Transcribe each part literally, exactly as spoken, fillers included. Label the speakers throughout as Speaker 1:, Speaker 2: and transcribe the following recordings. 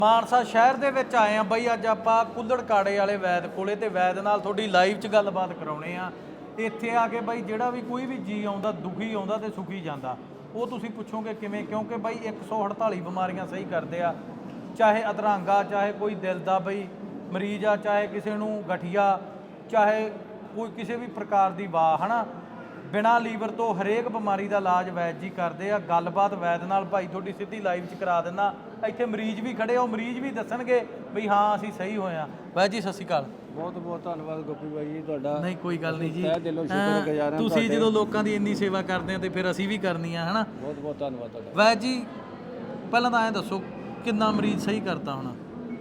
Speaker 1: ਮਾਨਸਾ ਸ਼ਹਿਰ ਦੇ ਵਿੱਚ ਆਏ ਆ ਬਈ। ਅੱਜ ਆਪਾਂ ਕੁੱਲੜ ਕਾੜੇ ਵਾਲੇ ਵੈਦ ਕੋਲੇ ਤੇ ਵੈਦ ਨਾਲ ਤੁਹਾਡੀ ਲਾਈਵ 'ਚ ਗੱਲਬਾਤ ਕਰਾਉਣੇ ਆ। ਇੱਥੇ ਆ ਕੇ ਬਈ ਜਿਹੜਾ ਵੀ ਕੋਈ ਵੀ ਜੀ ਆਉਂਦਾ ਦੁਖੀ ਆਉਂਦਾ ਤੇ ਸੁਖੀ ਜਾਂਦਾ, ਉਹ ਤੁਸੀਂ ਪੁੱਛੋਗੇ ਕਿਵੇਂ, ਕਿਉਂਕਿ ਬਈ ਇੱਕ ਸੌ ਅਠਤਾਲੀ ਬਿਮਾਰੀਆਂ ਸਹੀ ਕਰਦੇ ਆ। ਚਾਹੇ ਅਧਰੰਗਾ, ਚਾਹੇ ਕੋਈ ਦਿਲ ਦਾ ਬਈ ਮਰੀਜ਼ ਆ, ਚਾਹੇ ਕਿਸੇ ਨੂੰ ਗਠੀਆ, ਚਾਹੇ ਕੋਈ ਕਿਸੇ ਵੀ ਪ੍ਰਕਾਰ ਦੀ ਵਾਹ ਹਨਾ, ਬਿਨਾਂ ਲੀਵਰ ਤੋਂ ਹਰੇਕ ਬਿਮਾਰੀ ਦਾ ਇਲਾਜ ਵੈਦ ਜੀ ਕਰਦੇ ਆ। ਗੱਲਬਾਤ ਵੈਦ ਨਾਲ ਭਾਈ ਤੁਹਾਡੀ ਸਿੱਧੀ ਲਾਈਵ 'ਚ ਕਰਾ ਦਿੰਦਾ। ਇੱਥੇ ਮਰੀਜ਼ ਵੀ ਖੜੇ ਆ, ਉਹ ਮਰੀਜ਼ ਵੀ ਦੱਸਣਗੇ ਵੀ ਹਾਂ ਅਸੀਂ ਸਹੀ ਹੋਏ ਆ। ਵੈਦ ਜੀ ਸਤਿ ਸ਼੍ਰੀ ਅਕਾਲ।
Speaker 2: ਬਹੁਤ ਬਹੁਤ ਧੰਨਵਾਦ ਗੋਪੀ ਬਾਈ ਜੀ ਤੁਹਾਡਾ।
Speaker 1: ਨਹੀਂ ਕੋਈ ਗੱਲ ਨਹੀਂ ਜੀ,
Speaker 2: ਤਹਿ ਦਿਲੋਂ ਸ਼ੁਕਰਗੁਜ਼ਾਰ ਹਾਂ
Speaker 1: ਤੁਸੀਂ ਜਦੋਂ ਲੋਕਾਂ ਦੀ ਇੰਨੀ ਸੇਵਾ ਕਰਦੇ ਆ ਤੇ ਫਿਰ ਅਸੀਂ ਵੀ ਕਰਨੀ ਆ ਹਨਾ।
Speaker 2: ਬਹੁਤ ਬਹੁਤ ਧੰਨਵਾਦ ਤੁਹਾਡਾ।
Speaker 1: ਵੈਦ ਜੀ ਪਹਿਲਾਂ ਤਾਂ ਐਂ ਦੱਸੋ ਕਿੰਨਾ ਮਰੀਜ਼ ਸਹੀ ਕਰਤਾ ਹੋਣਾ?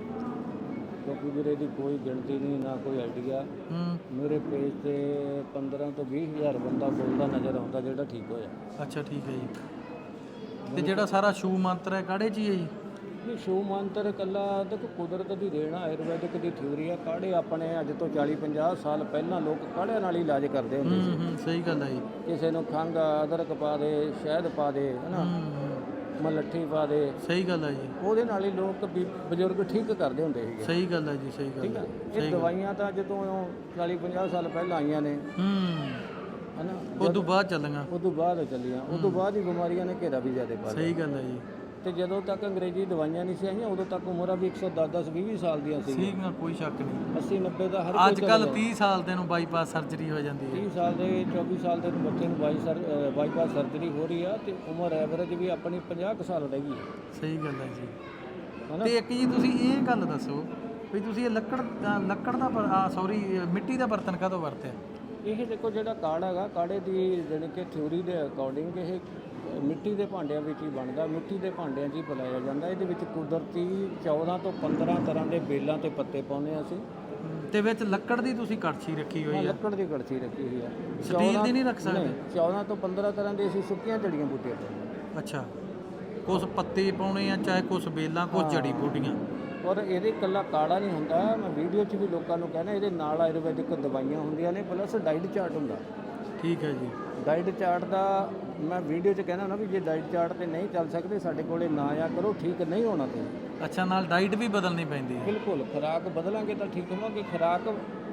Speaker 2: ਗੋਪੀ ਵੀਰੇ ਦੀ ਕੋਈ ਗਿਣਤੀ ਨਹੀਂ, ਨਾ ਕੋਈ ਆਈਡੀਆ।
Speaker 1: ਹੂੰ
Speaker 2: ਮੇਰੇ ਪੇਜ ਤੇ ਪੰਦਰਾਂ ਤੋਂ ਵੀਹ ਹਜ਼ਾਰ ਬੰਦਾ ਬੋਲਦਾ ਨਜ਼ਰ ਆਉਂਦਾ ਜਿਹੜਾ ਠੀਕ ਹੋਇਆ।
Speaker 1: ਅੱਛਾ ਠੀਕ ਹੈ ਜੀ। ਤੇ ਜਿਹੜਾ ਸਾਰਾ ਸ਼ੂ ਮੰਤਰ ਹੈ ਕਾੜੇ 'ਚ ਹੀ ਹੈ ਜੀ?
Speaker 2: ਇਹ ਸ਼ੂ ਮੰਤਰ ਇਕੱਲਾ ਦੇਖੋ ਕੁਦਰਤ ਦੀ ਦੇਣ ਆ, ਆਯੁਰਵੈਦਿਕ ਦੀ ਥਿਊਰੀ ਆ। ਕਾੜੇ ਆਪਣੇ ਅੱਜ ਤੋਂ ਚਾਲੀ ਪੰਜਾਹ ਸਾਲ ਪਹਿਲਾਂ ਲੋਕ ਕਾੜਿਆਂ ਨਾਲ ਹੀ ਇਲਾਜ ਕਰਦੇ ਹੁੰਦੇ ਸੀ।
Speaker 1: ਹੂੰ ਹੂੰ ਸਹੀ ਗੱਲ ਹੈ ਜੀ।
Speaker 2: ਕਿਸੇ ਨੂੰ ਖੰਘ ਆ, ਅਦਰਕ ਪਾ ਦੇ, ਸ਼ਹਿਦ ਪਾ ਦੇ ਹਨਾ, ਮਲੱਠੀ ਪਾ ਦੇ,
Speaker 1: ਸਹੀ ਗੱਲ ਹੈ ਜੀ।
Speaker 2: ਉਹਦੇ ਨਾਲ ਹੀ ਲੋਕ ਵੀ ਬਜ਼ੁਰਗ ਠੀਕ ਕਰਦੇ ਹੁੰਦੇ ਸੀਗੇ।
Speaker 1: ਸਹੀ ਗੱਲ ਹੈ ਜੀ, ਸਹੀ ਗੱਲ
Speaker 2: ਠੀਕ
Speaker 1: ਹੈ।
Speaker 2: ਹੈ। ਇਹ ਦਵਾਈਆਂ ਤਾਂ ਜਦੋਂ ਚਾਲੀ ਪੰਜਾਹ ਸਾਲ ਪਹਿਲਾਂ ਆਈਆਂ ਨੇ
Speaker 1: ਹੂੰ
Speaker 2: ਹਨਾ,
Speaker 1: ਉਦੋਂ ਬਾਅਦ ਚੱਲੀਆਂ।
Speaker 2: ਉਦੋਂ ਬਾਅਦ ਚੱਲੀਆਂ, ਉਦੋਂ ਬਾਅਦ ਹੀ ਬਿਮਾਰੀਆਂ ਨੇ ਘੇਰਾ ਵੀ ਜ਼ਿਆਦਾ ਪਾ ਲਿਆ।
Speaker 1: ਸਹੀ ਗੱਲ ਹੈ ਜੀ।
Speaker 2: ਤੇ ਜਦੋਂ ਤੱਕ ਅੰਗਰੇਜ਼ੀ ਦਵਾਈਆਂ ਨਹੀਂ ਸੀ ਆਈਆਂ ਉਦੋਂ ਤੱਕ ਉਮਰਾਂ ਵੀ ਇੱਕ ਸੌ ਦਸ ਦਸ ਵੀਹ ਵੀਹ ਸਾਲ ਦੀਆਂ ਸੀ।
Speaker 1: ਠੀਕ ਨਾ, ਕੋਈ ਸ਼ੱਕ ਨਹੀਂ।
Speaker 2: ਅੱਸੀ ਨੱਬੇ ਦਾ ਹਰ ਕੋਈ
Speaker 1: ਅੱਜ ਕੱਲ ਤੀਹ ਸਾਲ ਦੇ ਨੂੰ ਬਾਈਪਾਸ ਸਰਜਰੀ ਹੋ ਜਾਂਦੀ ਹੈ।
Speaker 2: ਤੀਹ ਸਾਲ ਦੇ ਚੌਵੀ ਸਾਲ ਦੇ ਬੱਚੇ ਨੂੰ ਬਾਈ ਸਰ ਬਾਈਪਾਸ ਸਰਜਰੀ ਹੋ ਰਹੀ ਆ ਤੇ ਉਮਰ ਐਵਰੇਜ ਵੀ ਆਪਣੀ ਪੰਜਾਹ ਕੁ ਸਾਲ ਰਹਿ ਗਈ ਹੈ।
Speaker 1: ਸਹੀ ਗੱਲ ਹੈ ਜੀ।
Speaker 2: ਹਨਾ।
Speaker 1: ਤੇ ਇੱਕ ਜੀ ਤੁਸੀਂ ਇਹ ਗੱਲ ਦੱਸੋ ਵੀ ਤੁਸੀਂ ਇਹ ਲੱਕੜ ਦਾ ਲੱਕੜ ਦਾ ਸੌਰੀ ਮਿੱਟੀ ਦਾ ਬਰਤਨ ਕਾਹਤੋਂ ਵਰਤਿਆ?
Speaker 2: ਇਹ ਦੇਖੋ ਜਿਹੜਾ ਕਾੜ ਹੈਗਾ, ਕਾੜੇ ਦੀ ਜਾਣੀ ਕਿ ਥਿਊਰੀ ਦੇ ਅਕੋਰਡਿੰਗ ਇਹ ਮਿੱਟੀ ਦੇ ਭਾਂਡਿਆਂ ਵਿੱਚ ਹੀ ਬਣਦਾ, ਮਿੱਟੀ ਦੇ ਭਾਂਡਿਆਂ 'ਚ ਹੀ ਪਿਲਾਇਆ ਜਾਂਦਾ। ਇਹਦੇ ਵਿੱਚ ਕੁਦਰਤੀ ਚੌਦਾਂ ਤੋਂ ਪੰਦਰਾਂ ਤਰ੍ਹਾਂ ਦੇ ਬੇਲਾਂ ਤੇ ਪੱਤੇ ਪਾਉਂਦੇ ਹਾਂ ਅਸੀਂ।
Speaker 1: ਤੇ ਵਿੱਚ ਲੱਕੜ ਦੀ ਤੁਸੀਂ ਕੜਛੀ ਰੱਖੀ ਹੋਈ ਹੈ?
Speaker 2: ਲੱਕੜ ਦੀ ਕੜਛੀ ਰੱਖੀ ਹੋਈ ਆ।
Speaker 1: ਸਟੀਲ ਦੀ ਨਹੀਂ ਰੱਖ ਸਕਦੇ?
Speaker 2: ਚੌਦਾਂ ਤੋਂ ਪੰਦਰਾਂ ਤਰ੍ਹਾਂ ਦੇ ਅਸੀਂ ਸੁੱਕੀਆਂ ਜੜੀਆਂ ਬੂਟੀਆਂ ਪਾਉਂਦੇ।
Speaker 1: ਅੱਛਾ, ਕੁਛ ਪੱਤੇ ਪਾਉਣੇ ਆ, ਚਾਹੇ ਕੁਛ ਬੇਲਾਂ, ਕੁਛ ਜੜੀ ਬੂਟੀਆਂ।
Speaker 2: ਔਰ ਇਹਦੇ ਇਕੱਲਾ ਕਾੜਾ ਨਹੀਂ ਹੁੰਦਾ, ਮੈਂ ਵੀਡੀਓ 'ਚ ਵੀ ਲੋਕਾਂ ਨੂੰ ਕਹਿੰਦਾ ਇਹਦੇ ਨਾਲ ਆਯੁਰਵੈਦਿਕ ਦਵਾਈਆਂ ਹੁੰਦੀਆਂ ਨੇ, ਪਲੱਸ ਡਾਈਟ ਚਾਰਟ ਹੁੰਦਾ।
Speaker 1: ਠੀਕ ਹੈ ਜੀ।
Speaker 2: ਡਾਈਟ ਚਾਰਟ ਦਾ ਮੈਂ ਵੀਡੀਓ 'ਚ ਕਹਿੰਦਾ ਨਾ ਵੀ ਜੇ ਡਾਈਟ ਚਾਰਟ ਤੇ ਨਹੀਂ ਚੱਲ ਸਕਦੇ ਸਾਡੇ ਕੋਲੇ ਨਾ ਆ ਕਰੋ, ਠੀਕ ਨਹੀਂ ਹੋਣਾ ਤੁਸੀਂ।
Speaker 1: ਅੱਛਾ, ਨਾਲ ਡਾਈਟ ਵੀ ਬਦਲਣੀ ਪੈਂਦੀ ਹੈ?
Speaker 2: ਬਿਲਕੁਲ, ਖੁਰਾਕ ਬਦਲਾਂਗੇ ਤਾਂ ਠੀਕ ਹੋਵਾਂਗੇ। ਖੁਰਾਕ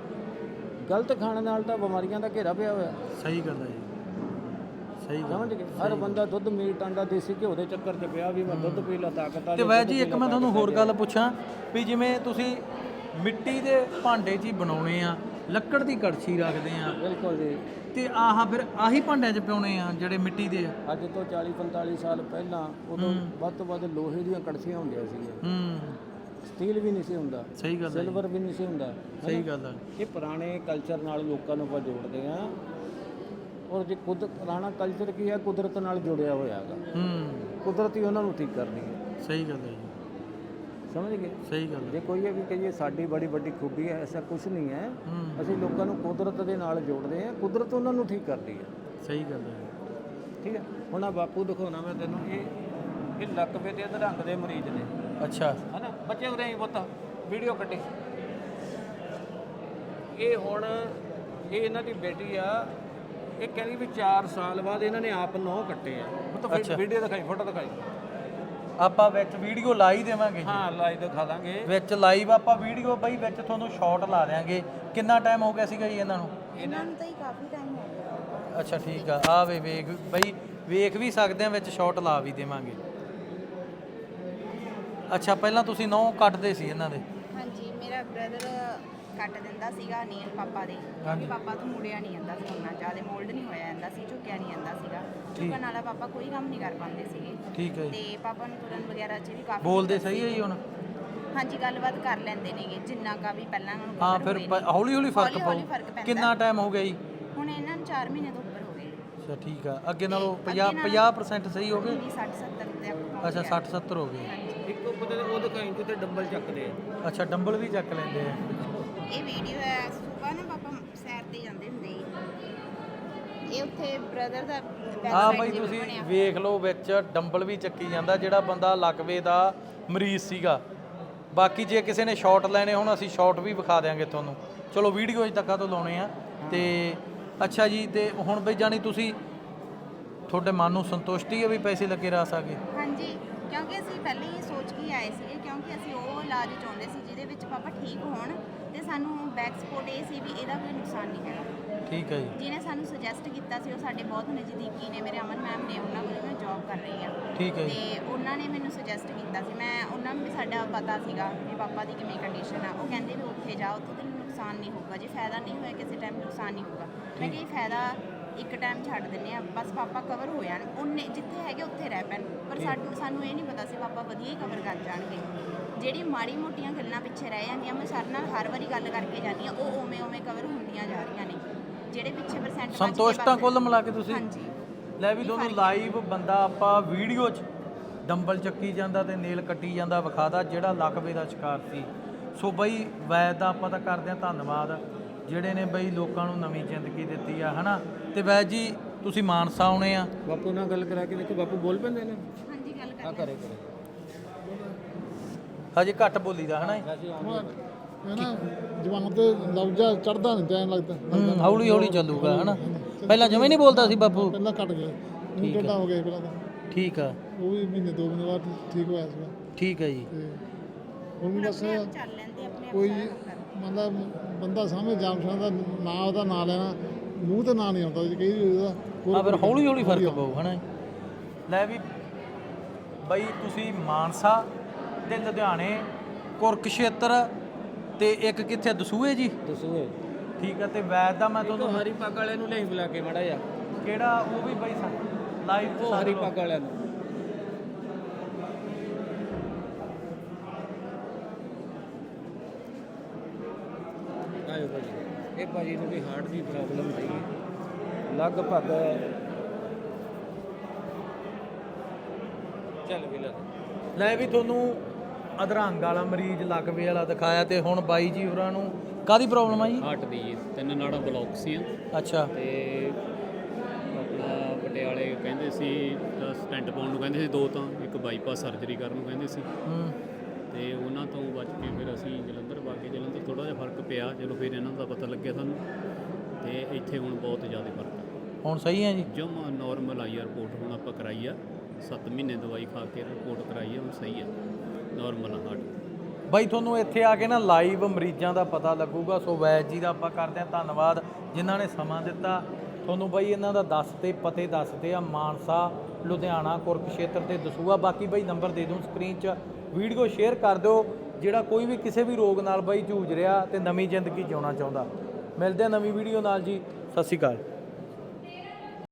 Speaker 2: ਗਲਤ ਖਾਣ ਨਾਲ ਤਾਂ ਬਿਮਾਰੀਆਂ ਦਾ ਘੇਰਾ ਪਿਆ ਹੋਇਆ।
Speaker 1: ਸਹੀ ਗੱਲ ਹੈ ਜੀ, ਸਹੀ ਗੱਲ।
Speaker 2: ਸਮਝ ਗਏ? ਹਰ ਬੰਦਾ ਦੁੱਧ ਮੀਟ ਆਂਡਾ ਦੇਸੀ ਘਿਓ ਦੇ ਚੱਕਰ 'ਚ ਪਿਆ ਵੀ ਮੈਂ ਦੁੱਧ ਪੀ ਲਾ ਤਾਕਤ ਆ।
Speaker 1: ਤੇ ਵੈਦ ਜੀ ਇੱਕ ਮੈਂ ਤੁਹਾਨੂੰ ਹੋਰ ਗੱਲ ਪੁੱਛਾਂ ਵੀ ਜਿਵੇਂ ਤੁਸੀਂ ਮਿੱਟੀ ਦੇ ਭਾਂਡੇ 'ਚ ਹੀ ਬਣਾਉਣੇ ਆ, ਲੱਕੜ ਦੀ ਕੜਛੀ ਰੱਖਦੇ ਆ,
Speaker 2: ਬਿਲਕੁਲ ਜੀ,
Speaker 1: ਤੇ ਆਹ ਫਿਰ ਆਹੀ ਭਾਂਡਿਆਂ 'ਚ ਪਿਉਣੇ ਆ ਜਿਹੜੇ ਮਿੱਟੀ ਦੇ ਆ?
Speaker 2: ਅੱਜ ਤੋਂ ਚਾਲੀ ਪੰਤਾਲੀ ਸਾਲ ਪਹਿਲਾਂ ਉਦੋਂ ਵੱਧ ਤੋਂ ਵੱਧ ਲੋਹੇ ਦੀਆਂ ਕੜਛੀਆਂ ਹੁੰਦੀਆਂ ਸੀਗੀਆਂ।
Speaker 1: ਹੂੰ
Speaker 2: ਸਟੀਲ ਵੀ ਨਹੀਂ ਸੀ ਹੁੰਦਾ,
Speaker 1: ਸਹੀ ਗੱਲ ਹੈ,
Speaker 2: ਸਿਲਵਰ ਵੀ ਨਹੀਂ ਸੀ ਹੁੰਦਾ।
Speaker 1: ਸਹੀ ਗੱਲ ਹੈ।
Speaker 2: ਇਹ ਪੁਰਾਣੇ ਕਲਚਰ ਨਾਲ ਲੋਕਾਂ ਨੂੰ ਆਪਾਂ ਜੋੜਦੇ ਆ। ਔਰ ਜੇ ਕੁਦ ਪੁਰਾਣਾ ਕਲਚਰ ਕੀ ਹੈ, ਕੁਦਰਤ ਨਾਲ ਜੁੜਿਆ ਹੋਇਆ ਹੈਗਾ।
Speaker 1: ਹੂੰ
Speaker 2: ਕੁਦਰਤ ਹੀ ਉਹਨਾਂ ਨੂੰ ਠੀਕ ਕਰਦੀ ਹੈ।
Speaker 1: ਸਹੀ ਗੱਲ ਹੈ ਜੀ,
Speaker 2: ਸਮਝ ਗਏ?
Speaker 1: ਸਹੀ ਗੱਲ ਹੈ।
Speaker 2: ਜੇ ਕੋਈ ਇਹ ਵੀ ਕਹੀਏ ਸਾਡੀ ਬੜੀ ਵੱਡੀ ਖੂਬੀ ਹੈ, ਐਸਾ ਕੁਝ ਨਹੀਂ ਹੈ।
Speaker 1: ਹੂੰ
Speaker 2: ਅਸੀਂ ਲੋਕਾਂ ਨੂੰ ਕੁਦਰਤ ਦੇ ਨਾਲ ਜੋੜਦੇ ਆ, ਕੁਦਰਤ ਉਹਨਾਂ ਨੂੰ ਠੀਕ ਕਰਦੀ ਹੈ।
Speaker 1: ਸਹੀ ਗੱਲ ਹੈ।
Speaker 2: ਠੀਕ ਹੈ। ਹੁਣ ਆ ਬਾਪੂ ਦਿਖਾਉਣਾ ਮੈਂ ਤੈਨੂੰ, ਇਹ ਇਹ ਲੱਕ ਤੇ ਅਧਰੰਗ ਦੇ ਮਰੀਜ਼ ਨੇ।
Speaker 1: ਅੱਛਾ,
Speaker 2: ਹਨਾ ਬੱਚੇ ਉਰੇ ਹੀ ਪੁੱਤ ਵੀਡੀਓ ਕੱਢੀ। ਇਹ ਹੁਣ ਇਹ ਇਹਨਾਂ ਦੀ ਬੇਟੀ ਆ, ਇਹ ਕਹਿੰਦੀ ਵੀ ਚਾਰ ਸਾਲ ਬਾਅਦ ਇਹਨਾਂ ਨੇ ਆਪ ਨੌ ਕੱਟੇ ਆ।
Speaker 1: ਅੱਛਾ।
Speaker 2: ਪੁੱਤ ਵੀਡੀਓ ਦਿਖਾਈ, ਫੋਟੋ ਦਿਖਾਈ।
Speaker 1: ਆਪਾਂ ਵਿੱਚ ਵੀਡੀਓ ਲਾ ਹੀ ਦੇਵਾਂਗੇ ਜੀ।
Speaker 2: ਹਾਂ ਲਾਈਵ ਦਿਖਾ ਦਾਂਗੇ।
Speaker 1: ਵਿੱਚ ਲਾਈਵ ਆਪਾਂ ਵੀਡੀਓ ਬਈ ਵਿੱਚ ਤੁਹਾਨੂੰ ਸ਼ਾਰਟ ਲਾ ਦਿਆਂਗੇ। ਕਿੰਨਾ ਟਾਈਮ ਹੋ ਗਿਆ ਸੀਗਾ ਜੀ ਇਹਨਾਂ ਨੂੰ?
Speaker 3: ਇਹਨਾਂ ਨੂੰ ਤਾਂ ਹੀ ਕਾਫੀ ਟਾਈਮ ਹੋ ਗਿਆ।
Speaker 1: ਅੱਛਾ ਠੀਕ ਆ। ਆ ਵੇ ਵੇਖ ਬਈ, ਵੇਖ ਵੀ ਸਕਦੇ ਆ, ਵਿੱਚ ਸ਼ਾਰਟ ਲਾ ਵੀ ਦੇਵਾਂਗੇ। ਅੱਛਾ, ਪਹਿਲਾਂ ਤੁਸੀਂ ਨੌ ਕੱਟਦੇ ਸੀ ਇਹਨਾਂ ਦੇ?
Speaker 3: ਹਾਂਜੀ, ਮੇਰਾ ਬ੍ਰਦਰ ਕੱਟ ਦਿੰਦਾ ਸੀਗਾ ਨੀਅਰ ਪਾਪਾ ਦੇ, ਕਿਉਂਕਿ ਪਾਪਾ ਤੋਂ ਮੁੜਿਆ ਨਹੀਂ ਜਾਂਦਾ ਸੀ, ਉਹਨਾਂ ਜ਼ਿਆਦਾ ਮੋਲਡ ਨਹੀਂ ਹੋਇਆ ਜਾਂਦਾ ਸੀ, ਝੁਕਿਆ ਨਹੀਂ ਜਾਂਦਾ ਸੀਗਾ। ਝੁਕਣ ਵਾਲਾ ਪਾਪਾ ਕੋਈ ਕੰਮ ਨਹੀਂ ਕਰ ਪਾਉਂਦੇ ਸੀਗੇ।
Speaker 1: ਠੀਕ ਹੈ।
Speaker 3: ਤੇ ਪਾਪਾ ਨੂੰ ਤੁਰਨ ਵਗੈਰਾ 'ਚ ਵੀ ਕਾਫੀ
Speaker 1: ਬੋਲਦੇ ਸਹੀ ਹੈ ਜੀ ਹੁਣ?
Speaker 3: ਹਾਂਜੀ, ਗੱਲਬਾਤ ਕਰ ਲੈਂਦੇ ਨੇਗੇ ਜਿੰਨਾ ਕਾ ਵੀ ਪਹਿਲਾਂ ਉਹਨਾਂ ਨੂੰ।
Speaker 1: ਹਾਂ, ਫਿਰ ਹੌਲੀ ਹੌਲੀ ਫਰਕ ਪਾਉ। ਕਿੰਨਾ ਟਾਈਮ ਹੋ ਗਿਆ ਜੀ
Speaker 3: ਹੁਣ ਇਹਨਾਂ ਨੂੰ? ਚਾਰ ਮਹੀਨੇ ਤੋਂ ਉੱਪਰ ਹੋ ਗਏ।
Speaker 1: ਅੱਛਾ ਠੀਕ ਆ। ਅੱਗੇ ਨਾਲੋਂ ਪੰਜਾਹ ਪੰਜਾਹ ਪਰਸੈਂਟ ਸਹੀ ਹੋ ਗਏ?
Speaker 3: ਸੱਠ ਸੱਤਰ ਤੱਕ।
Speaker 1: ਅੱਛਾ, ਸੱਠ ਸੱਤਰ ਹੋ ਗਏ।
Speaker 2: ਇੱਕ ਉੱਪਰ ਉਹ ਦਿਖਾਈ ਜਿੱਥੇ ਡੰਬਲ ਚੱਕਦੇ ਆ।
Speaker 1: ਅੱਛਾ, ਡੰਬਲ ਵੀ ਚੱਕ ਲੈਂਦੇ ਆ।
Speaker 3: ਇਹ ਵੀਡੀਓ ਹੈ ਸੁਬਾ ਨਾ ਪਾਪਾ ਸੈਰ ਤੇ ਜਾਂਦੇ ਹੁੰਦੇ ਸੀ। ਇਹ ਉੱਥੇ ਬ੍ਰਦਰ ਦਾ
Speaker 1: ਹਾਂ ਬਾਈ, ਤੁਸੀਂ ਵੇਖ ਲਓ ਵਿੱਚ ਡੰਬਲ ਵੀ ਚੱਕੀ ਜਾਂਦਾ ਜਿਹੜਾ ਬੰਦਾ ਲਕਵੇ ਦਾ ਮਰੀਜ਼ ਸੀਗਾ। ਬਾਕੀ ਜੇ ਕਿਸੇ ਨੇ ਸ਼ਾਰਟ ਲੈਣੇ ਹੁਣ ਅਸੀਂ ਸ਼ਾਰਟ ਵੀ ਵਿਖਾ ਦਿਆਂਗੇ ਤੁਹਾਨੂੰ। ਚਲੋ ਵੀਡੀਓ ਅਜ ਤੱਕ ਤੋਂ ਲਾਉਣੇ ਆ। ਤੇ ਅੱਛਾ ਜੀ, ਤੇ ਹੁਣ ਬਈ ਜਾਣੀ ਤੁਸੀਂ ਤੁਹਾਡੇ ਮਨ ਨੂੰ ਸੰਤੁਸ਼ਟੀ ਹੈ ਵੀ ਪੈਸੇ ਲੱਗੇ ਰਹਿ ਸਕੇ?
Speaker 3: ਹਾਂਜੀ, ਕਿਉਂਕਿ ਅਸੀਂ ਪਹਿਲੇ ਹੀ ਸੋਚ ਕੇ ਆਏ ਸੀਗੇ, ਕਿਉਂਕਿ ਕਿਉਂਕਿ ਅਸੀਂ ਉਹ ਇਲਾਜ ਚਾਹੁੰਦੇ ਸੀ ਜਿਹਦੇ ਵਿੱਚ ਪਾਪਾ ਠੀਕ ਹੋਣ ਤੇ ਸਾਨੂੰ ਬੈਕ ਸਪੋਰਟ ਇਹ ਸੀ ਵੀ ਇਹਦਾ ਕੋਈ ਨੁਕਸਾਨ ਨਹੀਂ ਹੈਗਾ।
Speaker 1: ਠੀਕ ਹੈ ਜੀ।
Speaker 3: ਜਿਹਨੇ ਸਾਨੂੰ ਸੁਜੈਸਟ ਕੀਤਾ ਸੀ ਉਹ ਸਾਡੇ ਬਹੁਤ ਨਜ਼ਦੀਕੀ ਨੇ, ਮੇਰੇ ਅਮਨ ਮੈਮ ਨੇ, ਉਹਨਾਂ ਕੋਲ ਮੈਂ ਜੌਬ ਕਰ ਰਹੀ ਆ।
Speaker 1: ਠੀਕ ਹੈ ਜੀ।
Speaker 3: ਤੇ ਉਹਨਾਂ ਨੇ ਮੈਨੂੰ ਸੁਜੈਸਟ ਕੀਤਾ ਸੀ, ਮੈਂ ਉਹਨਾਂ ਨੂੰ ਵੀ ਸਾਡਾ ਪਤਾ ਸੀਗਾ ਵੀ ਪਾਪਾ ਦੀ ਕਿਵੇਂ ਕੰਡੀਸ਼ਨ ਆ। ਉਹ ਕਹਿੰਦੇ ਵੀ ਉੱਥੇ ਜਾ, ਉੱਥੋਂ ਤੈਨੂੰ ਨੁਕਸਾਨ ਨਹੀਂ ਹੋਊਗਾ, ਜੇ ਫਾਇਦਾ ਨਹੀਂ ਹੋਇਆ ਕਿਸੇ ਟਾਈਮ ਨੁਕਸਾਨ ਨਹੀਂ ਹੋਊਗਾ। ਮੈਂ ਕਿਹਾ ਫਾਇਦਾ ਇੱਕ ਟਾਈਮ ਛੱਡ ਦਿੰਦੇ ਆ, ਬਸ ਪਾਪਾ ਕਵਰ ਹੋ ਜਾਣ, ਉਹਨੇ ਜਿੱਥੇ ਹੈਗੇ ਉੱਥੇ ਰਹਿ ਪੈਣ। ਪਰ ਸਾਨੂੰ ਸਾਨੂੰ ਇਹ ਨਹੀਂ ਪਤਾ ਸੀ ਪਾਪਾ ਵਧੀਆ ਹੀ ਕਵਰ ਕਰ ਜਾਣਗੇ। ਜਿਹੜੀ ਮਾੜੀ ਮੋਟੀਆਂ ਗੱਲਾਂ ਪਿੱਛੇ ਰਹਿ ਜਾਂਦੀਆਂ, ਮੈਂ ਸਰ ਨਾਲ ਹਰ ਵਾਰੀ ਗੱਲ ਕਰਕੇ ਜਾਂਦੀ ਹਾਂ, ਉਹ ਉਵੇਂ ਉਵੇਂ ਕਵਰ ਹੁੰਦੀਆਂ ਜਾ ਰਹੀਆਂ ਨੇ। ਜਿਹੜੇ ਪਿੱਛੇ ਪਰਸੈਂਟ
Speaker 1: ਸੰਤੁਸ਼ਟ ਤਾਂ ਕੁੱਲ ਮਿਲਾ ਕੇ ਤੁਸੀਂ?
Speaker 3: ਹਾਂਜੀ।
Speaker 1: ਲੈ ਵੀ ਤੁਹਾਨੂੰ ਲਾਈਵ ਬੰਦਾ ਆਪਾਂ ਵੀਡੀਓ 'ਚ ਡੰਬਲ ਚੱਕੀ ਜਾਂਦਾ ਤੇ ਨੇਲ ਕੱਟੀ ਜਾਂਦਾ ਵਿਖਾਦਾ, ਜਿਹੜਾ ਲਕਵੇ ਦਾ ਸ਼ਿਕਾਰ ਸੀ। ਸੋ ਬਈ ਵੈਦ ਦਾ ਆਪਾਂ ਤਾਂ ਕਰਦੇ ਹਾਂ ਧੰਨਵਾਦ, ਜਿਹੜੇ ਨੇ ਬਈ ਲੋਕਾਂ ਨੂੰ ਨਵੀਂ ਜ਼ਿੰਦਗੀ ਦਿੱਤੀ ਆ, ਹਨਾ। ਤੇ ਵੈਦ ਜੀ ਤੁਸੀਂ ਮਾਨਸਾ ਆਉਣੇ ਆ,
Speaker 2: ਬਾਪੂ ਨਾਲ ਗੱਲ ਕਰਾ ਕੇ ਦੇਖੋ, ਬਾਪੂ ਬੋਲ ਪੈਂਦੇ ਨੇ।
Speaker 3: ਹਾਂਜੀ ਗੱਲ
Speaker 2: ਆ
Speaker 3: ਕਰ
Speaker 2: ਕਰੇ ਕਰੇ
Speaker 1: ਹਜੇ ਘੱਟ ਬੋਲੀਦਾ, ਹਨਾ।
Speaker 2: ਵੈਸੇ ਆਉਂਦੇ
Speaker 4: ਹੈ ਨਾ, ਜਵਾਨ ਤੇ ਲਫ਼ਜ਼ਾ ਚੜਦਾ ਨਹੀਂ ਟਾਈਮ ਲੱਗਦਾ।
Speaker 1: ਹੂੰ, ਹੌਲੀ ਹੌਲੀ ਚੱਲੂਗਾ, ਹਨਾ। ਪਹਿਲਾਂ ਜਮੇ ਨਹੀਂ ਬੋਲਦਾ ਸੀ ਬਾਪੂ?
Speaker 4: ਪਹਿਲਾਂ ਘਟ ਗਿਆ, ਹੁਣ ਟੇਢਾ ਹੋ ਗਿਆ ਪਹਿਲਾਂ ਤਾਂ।
Speaker 1: ਠੀਕ ਆ।
Speaker 4: ਉਹ ਵੀ ਮਹੀਨੇ ਦੋ ਮਹੀਨੇ ਬਾਅਦ ਠੀਕ ਹੋਇਆ ਸੀਗਾ।
Speaker 1: ਠੀਕ ਹੈ ਜੀ।
Speaker 4: ਤੇ ਹੁਣ ਵੀ ਬਸ
Speaker 3: ਚੱਲ ਲੈਂਦੇ ਆਪਣੇ
Speaker 4: ਕੋਈ ਮਤਲਬ ਬੰਦਾ ਸਾਹਮਣੇ ਜਾਮ ਦਾ ਨਾਂ, ਉਹਦਾ ਨਾਂ ਲੈਣਾ, ਮੂੰਹ ਤੇ ਨਾਂ ਨਹੀਂ ਆਉਂਦਾ ਜੀ ਕਈ ਉਹਦਾ।
Speaker 1: ਆ ਫਿਰ ਹੌਲੀ ਹੌਲੀ ਫਰਕ ਪਊ, ਹਨਾ। ਲੈ ਵੀ ਬਈ ਤੁਸੀਂ ਮਾਨਸਾ ਤੇ ਲੁਧਿਆਣੇ, ਕੁਰਕਸ਼ੇਤਰ ਤੇ ਇੱਕ ਕਿੱਥੇ ਦਸੂਹੇ ਜੀ?
Speaker 2: ਦਸੂਏ।
Speaker 1: ਠੀਕ ਹੈ। ਤੇ ਵੈਦ ਦਾ ਮੈਂ ਤੁਹਾਨੂੰ
Speaker 2: ਹਰੀ ਪੱਗ ਵਾਲੇ ਨੂੰ ਲੈ ਬੁਲਾ ਕੇ ਮੜਾ ਜਾ,
Speaker 1: ਕਿਹੜਾ ਉਹ ਵੀ ਬਈ ਲਾਈਵ
Speaker 2: ਉਹ ਹਰੀ ਪੱਗ ਵਾਲਿਆਂ ਨੂੰ। ਆਇਓ ਭਾਜੀ, ਇਹ ਭਾਜੀ ਨੂੰ ਵੀ ਹਾਰਟ ਦੀ ਪ੍ਰੋਬਲਮ ਸੀ ਲਗਭਗ। ਚੱਲ ਵੀ ਲੈ
Speaker 1: ਲੈ ਵੀ ਤੁਹਾਨੂੰ ਅਧਰੰਗ ਵਾਲਾ ਮਰੀਜ਼ ਲਕਵੇ ਵਾਲਾ ਦਿਖਾਇਆ, ਤੇ ਹੁਣ ਬਾਈ ਜੀ ਹੋਰਾਂ ਨੂੰ ਕਾਹਦੀ ਪ੍ਰੋਬਲਮ ਆ ਜੀ?
Speaker 5: ਹਾਰਟ ਦੀ ਜੀ, ਤਿੰਨ ਨਾੜਾਂ ਬਲੌਕ ਸੀ।
Speaker 1: ਅੱਛਾ।
Speaker 5: ਤੇ ਆਪਣਾ ਪਟਿਆਲੇ ਕਹਿੰਦੇ ਸੀ ਸਟੈਂਟ ਪਾਉਣ ਨੂੰ ਕਹਿੰਦੇ ਸੀ ਦੋ, ਤਾਂ ਇੱਕ ਬਾਈਪਾਸ ਸਰਜਰੀ ਕਰਨ ਨੂੰ ਕਹਿੰਦੇ ਸੀ।
Speaker 1: ਹੂੰ।
Speaker 5: ਤੇ ਉਹਨਾਂ ਤੋਂ ਬਚ ਕੇ ਫਿਰ ਅਸੀਂ ਜਲੰਧਰ ਵਗ ਗਏ। ਜਲੰਧਰ ਥੋੜ੍ਹਾ ਜਿਹਾ ਫਰਕ ਪਿਆ, ਚਲੋ ਫਿਰ ਇਹਨਾਂ ਦਾ ਪਤਾ ਲੱਗਿਆ ਸਾਨੂੰ, ਤੇ ਇੱਥੇ ਹੁਣ ਬਹੁਤ ਜ਼ਿਆਦਾ ਫਰਕ ਆ।
Speaker 1: ਹੁਣ ਸਹੀ ਹੈ ਜੀ?
Speaker 5: ਜਮਾ ਨੋਰਮਲ ਆਈ ਆ ਰਿਪੋਰਟ, ਹੁਣ ਆਪਾਂ ਕਰਾਈ ਆ, ਸੱਤ ਮਹੀਨੇ ਦਵਾਈ ਖਾ ਕੇ ਰਿਪੋਰਟ ਕਰਾਈ ਆ, ਹੁਣ ਸਹੀ ਆ, ਨੋਰਮਲ ਆ ਹਾਰਟ।
Speaker 1: ਬਾਈ ਤੁਹਾਨੂੰ ਇੱਥੇ ਆ ਕੇ ਨਾ ਲਾਈਵ ਮਰੀਜ਼ਾਂ ਦਾ ਪਤਾ ਲੱਗੂਗਾ। ਸੋ ਵੈਦ ਜੀ ਦਾ ਆਪਾਂ ਕਰਦੇ ਹਾਂ ਧੰਨਵਾਦ, ਜਿਨ੍ਹਾਂ ਨੇ ਸਮਾਂ ਦਿੱਤਾ ਤੁਹਾਨੂੰ। ਬਾਈ ਇਹਨਾਂ ਦਾ ਦੱਸਦੇ ਪਤੇ ਦੱਸਦੇ ਆ, ਮਾਨਸਾ, ਲੁਧਿਆਣਾ, ਕੁਰਕਸ਼ੇਤਰ ਤੇ ਦਸੂਹਾ। ਬਾਕੀ ਬਾਈ ਨੰਬਰ ਦੇ ਦੂੰ ਸਕਰੀਨ 'ਚ, ਵੀਡੀਓ ਸ਼ੇਅਰ ਕਰ ਦਿਓ, ਜਿਹੜਾ ਕੋਈ ਵੀ ਕਿਸੇ ਵੀ ਰੋਗ ਨਾਲ ਬਾਈ ਜੂਝ ਰਿਹਾ ਤੇ ਨਵੀਂ ਜ਼ਿੰਦਗੀ ਜਿਉਣਾ ਚਾਹੁੰਦਾ। ਮਿਲਦੇ ਆ ਨਵੀਂ ਵੀਡੀਓ ਨਾਲ ਜੀ, ਸਤਿ ਸ਼੍ਰੀ ਅਕਾਲ।